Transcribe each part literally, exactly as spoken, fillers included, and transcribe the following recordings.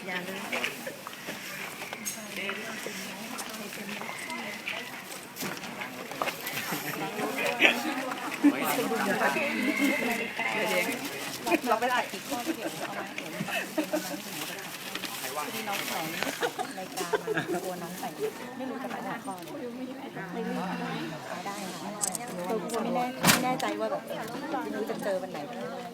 อย่าเลยเราไปถ่ายอีกข้อเดียวเอาไหมที่น้องสอนรายการมาตัวน้องแต่งไม่รู้จะไปหัวข้อไม่รู้ได้ค่ะเราไม่แน่ไม่แน่ใจว่าแบบไม่รู้จะเจอวันไหน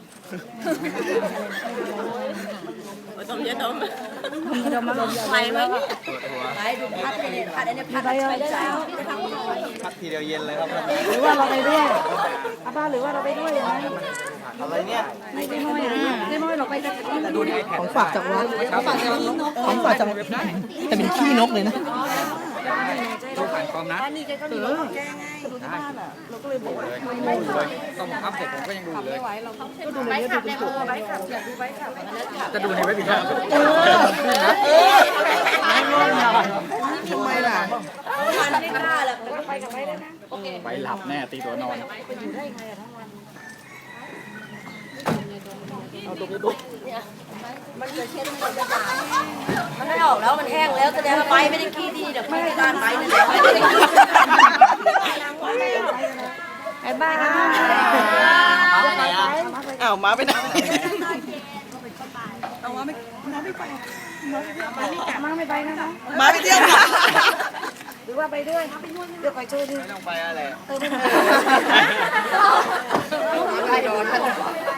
ต้มยาดมยาดมมาลมไหวไหมเนี่ยไหวดูพัดเนี่ยพัดเนี่ยพัดไปได้แล้วพักทีเดียวเย็นเลยครับหรือว่าเราไปด้วยอาบ้าหรือว่าเราไปด้วยยังไงอะไรเนี่ยไม่ได้ม้อยอ่ะไม่ม้อยเราไปจะของฝากจากวัดของฝากจากของฝากจากแต่เป็นขี้นกเลยนะต้องผ่านคอมนะนี่แกก็มีรถแกไงดูที่บ้านอ่ะเราก็เลยบอกว่าไม่ต้องอัพเสร็จผมก็ยังดูเลยก็ดูในยูทูบเป็นตัวไบค์ขับอยากดูไบค์ขับจะดูในเว็บอีกครับเออไม่ร้อนหรอทำไมล่ะมันไม่กล้าหรอกไปกับไปได้นะโอเคไปหลับแน่ตีตัวนอนอยู่ได้ไงอะทั้งวันเอาตรงนี้ดูมันจะเช็ดมันจะด่ามันไม่ออกแล้วมันแห้งแล้วแสดงว่าไบไม่ได้ขี้ดีเดี๋ยวไม่ได้การไบนั่นแหละไม่ได้ขี้ไอ้บ้าม้าไปไหนอ่ะอ้าวม้าไปไหนเอาม้าไม่ม้าไม่ไปม้าไม่ไปนะคะม้าไปเที่ยวหรือว่าไปด้วยเดี๋ยวไปช่วยดิไม่ต้องไปอะไรเออไม่ไปไปโดน